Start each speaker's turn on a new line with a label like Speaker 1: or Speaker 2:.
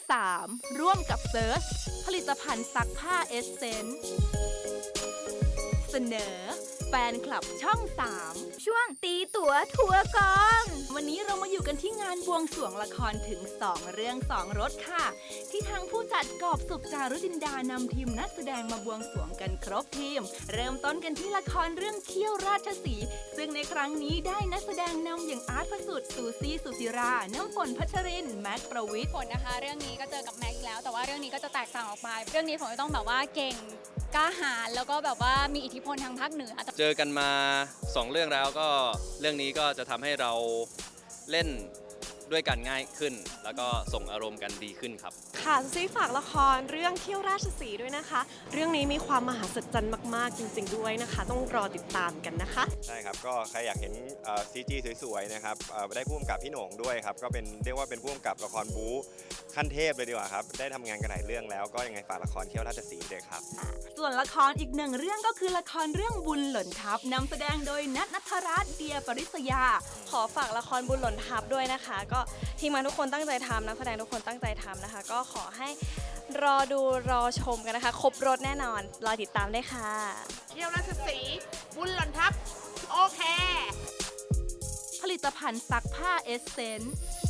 Speaker 1: 3ร่วมกับเซิร์ชผลิตภัณฑ์ซักผ้าเอสเซนส์เสนอแฟนคลับช่อง 3ช่วงตีตั๋วทัวร์กองวันนี้เรามาอยู่กันที่งานบวงสรวงละครถึง2เรื่อง2รสค่ะที่ทางผู้จัดกอบสุขจารุจินดานำทีมนักแสดงมาบวงสรวงกันครบทีมเริ่มต้นกันที่ละครเรื่องเขี้ยวราชสีห์ซึ่งในครั้งนี้ได้นักแสดงนำอย่างอาร์ตพระสุทธิ์ซูซี่สุศิราน้ำฝนพัชรินแม็กประวิทย์
Speaker 2: ผลนะคะเรื่องนี้ก็เจอกับแม็กซ์แล้วแต่ว่าเรื่องนี้ก็จะแตกต่างออกไปเรื่องนี้ผมจะต้องแบบว่าเก่งกล้าหาญแล้วก็แบบว่ามีอิทธิพลทางภาคเหนือ
Speaker 3: เจอกันมา2เรื่องแล้วก็เรื่องนี้ก็จะทำให้เราเล่นด้วยกันง่ายขึ้น แล้วก็ส่งอารมณ์กันดีขึ้นครับ
Speaker 4: ค่ะซีฝากละครเรื่องเขี้ยวราชสีห์ด้วยนะคะ เรื่องนี้มีความมหัศจรรย์มากๆจริงๆด้วยนะคะ ต้องรอติดตามกันนะคะ
Speaker 5: ใช่ครับก็ใครอยากเห็นCG สวยๆนะครับได้ผู้กำกับพี่โหน่งด้วยครับก็เป็นเรียกว่าเป็นผู้กำกับละครบู๊ขั้นเทพเลยดีกว่าครับได้ทำงานกันหลายเรื่องแล้วก็ยังไงฝากละครเขี้ยวราชสีห์ด้วยครับ
Speaker 1: ส่วนละครอีกหนึ่งเรื่องก็คือละครเรื่องบุญหล่นทับนำแสดงโดยณัฐ ณัฐรัตน์ เดียปริศยา
Speaker 4: ขอฝากละครบุญหล่นทับด้วยนะคะ ก็ทีมงานทุกคนตั้งใจทำนักแสดงทุกคนตั้งใจทำนะคะ ก็ขอให้รอดูรอชมกันนะคะ ครบรถแน่นอนรอติดตามได้ค่ะ
Speaker 6: เขี้ยวราชสีห์บุญหล่นทับโอเค
Speaker 1: ผลิตภัณฑ์ซักผ้าเอสเซนส์